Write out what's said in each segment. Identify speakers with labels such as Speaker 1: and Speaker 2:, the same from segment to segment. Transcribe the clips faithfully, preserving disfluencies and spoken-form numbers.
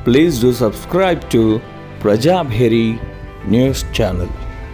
Speaker 1: Please do subscribe to Prajabheri News Channel.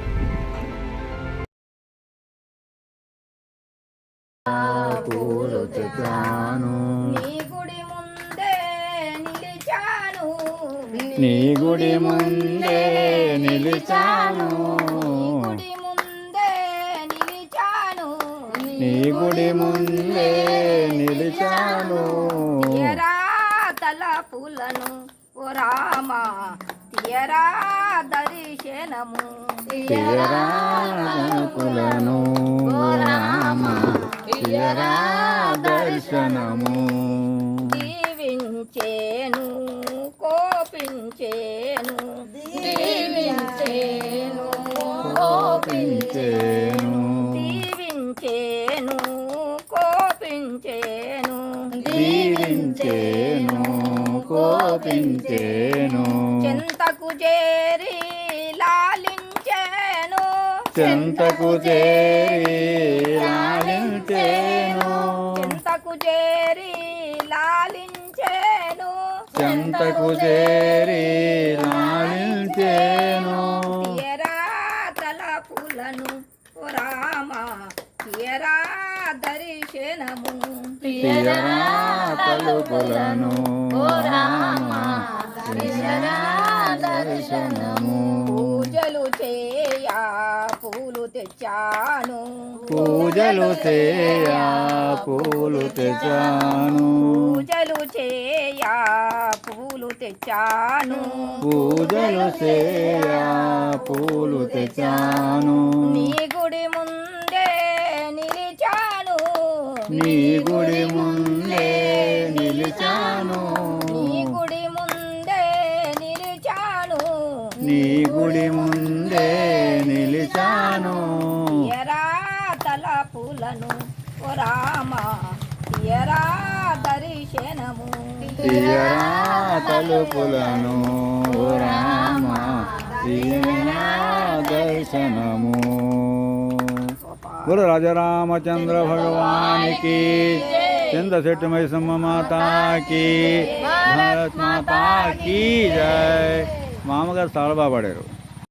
Speaker 2: పూలు తెచ్చాను
Speaker 3: నీ గుడి ముందే నిలిచాను
Speaker 2: నీ గుడి ముందే నిలిచాను
Speaker 3: గుడి ముందే నిలిచాను
Speaker 2: నీ గుడి ముందే నిలిచాను
Speaker 3: తీయరా తలపులను ఓ రామా తీయరా దర్శనము
Speaker 2: తీయరా తలపులను ఓ రామ తీయరా దర్శనము
Speaker 3: దీవించేను కోపించేను దీవించేను
Speaker 2: కోపించేను
Speaker 3: దీవించేను కోపించేను
Speaker 2: దీవించేను కోపించేను
Speaker 3: చింతకు చేరి లాలించేను
Speaker 2: చెంతకు చేరి లాలించేను
Speaker 3: చింతకు చేరి లాలించేను
Speaker 2: చెంతకు చేరి లాలించేను
Speaker 3: తీయరా తలపులను ఓ రామా తీయరా దర్శనము
Speaker 2: తీయరా తలుపులను ఓ రామ తీయరా దర్శనము
Speaker 3: పూజలు చేయా పూలు తెచ్చాను
Speaker 2: పూజలు చేయా పూలు తెచ్చాను
Speaker 3: పూజలు చేయా పూలు తెచ్చాను
Speaker 2: పూజలు చేయా పూలు తెచ్చాను
Speaker 3: నీ గుడి ముందే నిలిచాను
Speaker 2: నీ గుడి ముందే నిలిచాను
Speaker 3: నీ గుడి ముందే నిలిచాను
Speaker 2: నీ గుడి ముందే నిలిచాను
Speaker 3: తీయరా తలపులను ఓ రామా తీయరా దర్శనము
Speaker 2: తీయరా తలుపులను ఓ రామ తీయరా దర్శనము बोलो राजा रामचंद्र भगवान की चंद्रशेठ मैसम्मा माता की भारत माता की जय मामगाరు తాళబా పడారు.